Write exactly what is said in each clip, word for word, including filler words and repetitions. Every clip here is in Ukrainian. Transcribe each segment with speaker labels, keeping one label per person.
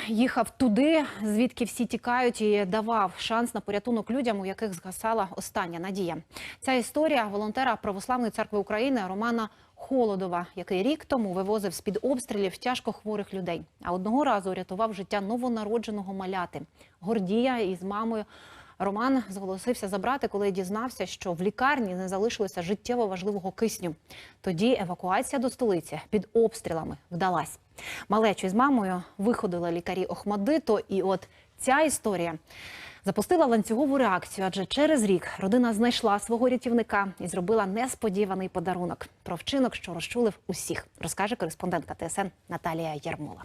Speaker 1: їхав туди, звідки всі тікають, і давав шанс на порятунок людям, у яких згасала остання надія. Ця історія волонтера Православної церкви України Романа Холодова, який рік тому вивозив з-під обстрілів тяжко хворих людей. А одного разу рятував життя новонародженого маляти. Гордія із мамою Роман зголосився забрати, коли дізнався, що в лікарні не залишилося життєво важливого кисню. Тоді евакуація до столиці під обстрілами вдалась. Малечу з мамою виходили лікарі Охмадиту, і от ця історія запустила ланцюгову реакцію, адже через рік родина знайшла свого рятівника і зробила несподіваний подарунок. Про вчинок, що розчулив усіх, розкаже кореспондентка Т С Н Наталія Ярмола.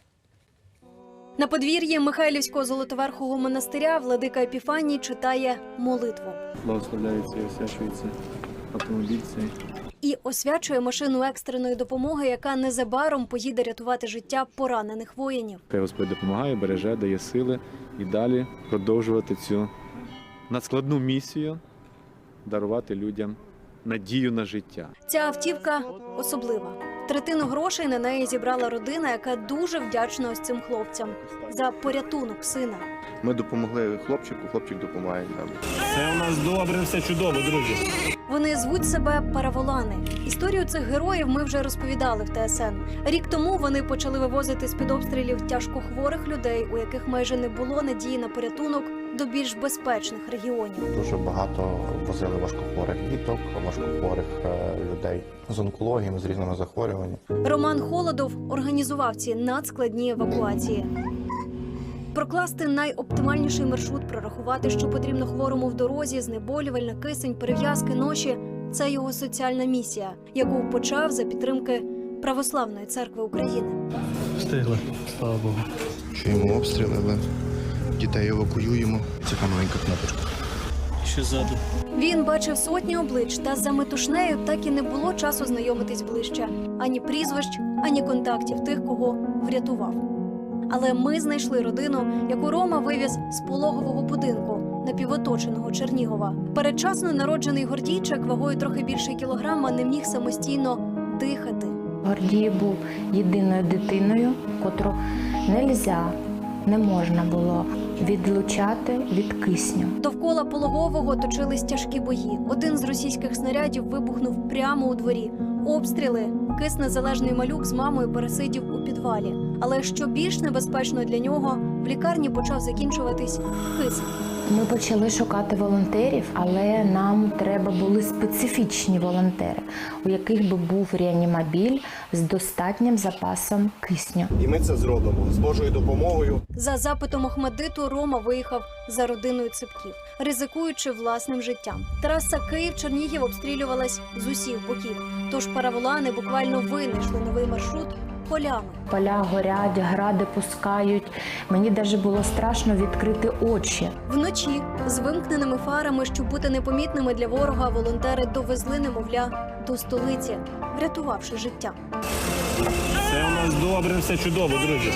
Speaker 2: На подвір'ї Михайлівського Золотоверхового монастиря владика Епіфаній читає молитву.
Speaker 3: Благословляється і освячується автомобіль цей.
Speaker 2: І освячує машину екстреної допомоги, яка незабаром поїде рятувати життя поранених воїнів.
Speaker 3: Хай Господь допомагає, береже, дає сили і далі продовжувати цю надскладну місію – дарувати людям надію на життя.
Speaker 2: Ця автівка особлива. Третину грошей на неї зібрала родина, яка дуже вдячна ось цим хлопцям за порятунок сина.
Speaker 4: Ми допомогли хлопчику, хлопчик допомагає нам.
Speaker 5: Все у нас добре, все чудово, друзі.
Speaker 2: Вони звуть себе параволани. Історію цих героїв ми вже розповідали в Т С Н. Рік тому вони почали вивозити з-під обстрілів тяжкохворих людей, у яких майже не було надії на порятунок, до більш безпечних регіонів.
Speaker 4: Дуже багато возили важкохворих діток, важкохворих людей з онкологіями, з різними захворюваннями.
Speaker 2: Роман Холодов організував ці надскладні евакуації. Прокласти найоптимальніший маршрут, прорахувати, що потрібно хворому в дорозі, знеболювальна, кисень, перев'язки, ноші – це його соціальна місія, яку почав за підтримки Православної церкви України.
Speaker 5: Встигли, слава Богу.
Speaker 4: Чуємо обстріли, але дітей евакуюємо. Це та маленька кнопочка.
Speaker 5: Ще ззаду.
Speaker 2: Він бачив сотні облич, та за метушнею так і не було часу знайомитись ближче. Ані прізвищ, ані контактів тих, кого врятував. Але ми знайшли родину, яку Рома вивіз з пологового будинку напівоточеного Чернігова. Передчасно народжений Гордійчик вагою трохи більше кілограма не міг самостійно дихати.
Speaker 6: Гордій був єдиною дитиною, котру нельзя, не можна було відлучати від кисню.
Speaker 2: Довкола пологового точились тяжкі бої. Один з російських снарядів вибухнув прямо у дворі. Обстріли. Киснезалежний малюк з мамою пересидів у підвалі. Але що більш небезпечно для нього, в лікарні почав закінчуватись кисень.
Speaker 6: Ми почали шукати волонтерів, але нам треба були специфічні волонтери, у яких би був реанімобіль з достатнім запасом кисню.
Speaker 7: І ми це зробимо з Божою допомогою.
Speaker 2: За запитом Охмадиту Рома виїхав за родиною Ципків, ризикуючи власним життям. Траса Київ-Чернігів обстрілювалась з усіх боків. Тож параволани буквально винайшли новий маршрут полями.
Speaker 6: Поля горять, гради пускають. Мені навіть було страшно відкрити очі.
Speaker 2: Вночі з вимкненими фарами, щоб бути непомітними для ворога, волонтери довезли немовля до столиці, врятувавши життя.
Speaker 5: Все у нас добре, все чудово, друзі.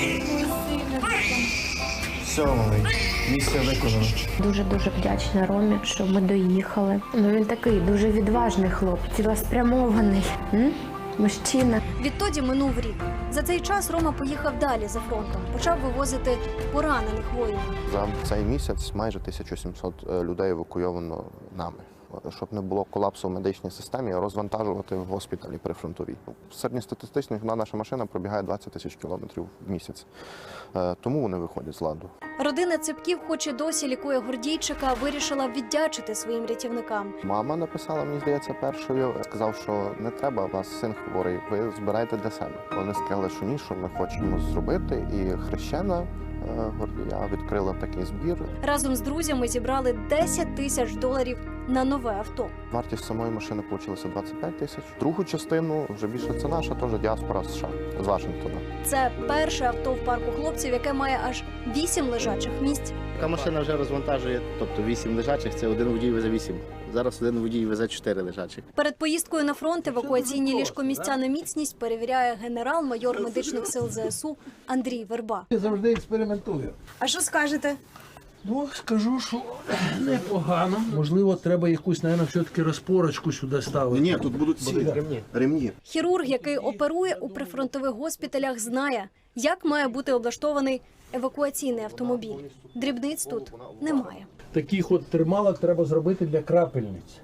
Speaker 4: Все, малий, місія виконана.
Speaker 6: Дуже-дуже вдячна Ромі, що ми доїхали. Ну, він такий дуже відважний хлопець, цілеспрямований. М? Мужчина.
Speaker 2: Відтоді минув рік. За цей час Рома поїхав далі за фронтом. Почав вивозити поранених воїнів.
Speaker 4: За цей місяць майже тисяча сімсот людей евакуйовано нами. Щоб не було колапсу в медичній системі, розвантажувати в госпіталі прифронтовій. Середньостатистично одна наша машина пробігає двадцять тисяч кілометрів в місяць. Тому вони виходять з ладу.
Speaker 2: Родина Ципків, хоч і досі лікує Гордійчика, вирішила віддячити своїм рятівникам.
Speaker 4: Мама написала, мені здається, першою. Сказав, що не треба, у вас син хворий, ви збирайте для себе. Вони сказали, що ні, що ми хочемо зробити. І хрещена Гордія відкрила такий збір.
Speaker 2: Разом з друзями зібрали десять тисяч доларів на нове авто.
Speaker 4: Вартість самої машини вийшла двадцять п'ять тисяч. Другу частину, вже більше це наша, теж діаспора США, з Вашингтона.
Speaker 2: Це перше авто в парку хлопців, яке має аж вісім лежачих місць.
Speaker 8: Така машина вже розвантажує, тобто вісім лежачих, це один водій везе вісім. Зараз один водій везе чотири лежачих.
Speaker 2: Перед поїздкою на фронт евакуаційні ліжкомісця на міцність перевіряє генерал-майор медичних сил З С У Андрій Верба.
Speaker 9: Я завжди експериментую.
Speaker 2: А що скажете?
Speaker 9: Ну, скажу, що непогано. Можливо, треба якусь, мабуть, все-таки розпорочку сюди ставити.
Speaker 7: Ні, тут будуть ці ремні. ремні.
Speaker 2: Хірург, який оперує у прифронтових госпіталях, знає, як має бути облаштований евакуаційний автомобіль. Дрібниць тут немає.
Speaker 9: Таких от трималок треба зробити для крапельниць.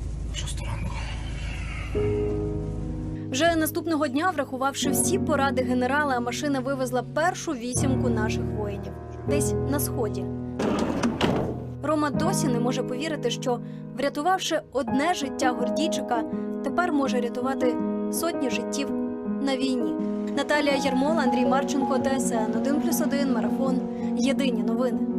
Speaker 2: Вже наступного дня, врахувавши всі поради генерала, машина вивезла першу вісімку наших воїнів. Десь на сході. Рома досі не може повірити, що, врятувавши одне життя Гордійчика, тепер може рятувати сотні життів на війні. Наталія Ярмола, Андрій Марченко, Т С Н один плюс один, Марафон. Єдині новини.